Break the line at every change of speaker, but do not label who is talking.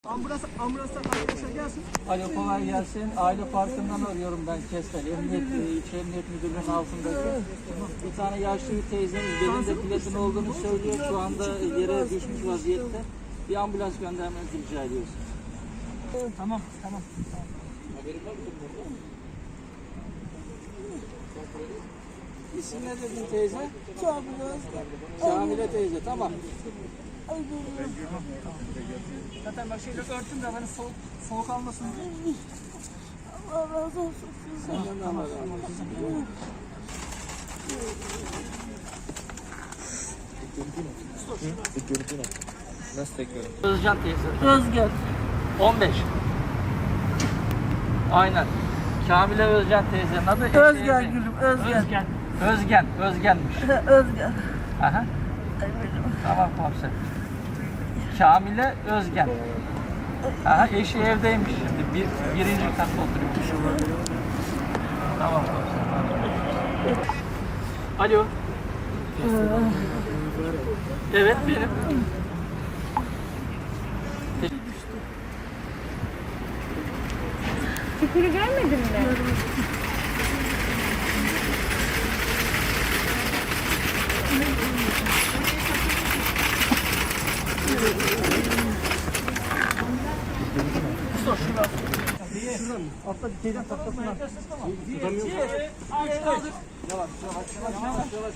Ambulansla arkadaşlar gelsin.
Alo, kolay gelsin. Aile Parkı'ndan arıyorum ben Kestel. İlçe Emniyet Müdürlüğü'nün altındaki. Bir tane yaşlı bir teyzemiz belinde platin olduğunu söylüyor. Şu anda yere düşmüş vaziyette. Bir ambulans göndermenizi rica ediyoruz.
Tamam.
İsim ne dedin teyze?
Şamile.
Şamile teyze, tamam.
Zaten bak şeyle örtün de hani soğuk almasın diye.
Allah razı olsun.
Senden de Allah razı olsun.
Nasıl tekrar?
Özcan teyze.
Özgen.
15. Aynen. Kamile Özcan teyzenin adı.
Özgen gülüm. Özgen.
Özgenmiş.
Özgen.
Aha. Tamam komiser. Kamile Özgen. Aha, eşi evdeymiş şimdi. Birinci katta oturuyormuş. Tamam komiser. Alo. Evet benim.
Çukuru görmedin mi?
Şuradan atla teyzem taklasından. Tutamıyor musun?
Yavaş.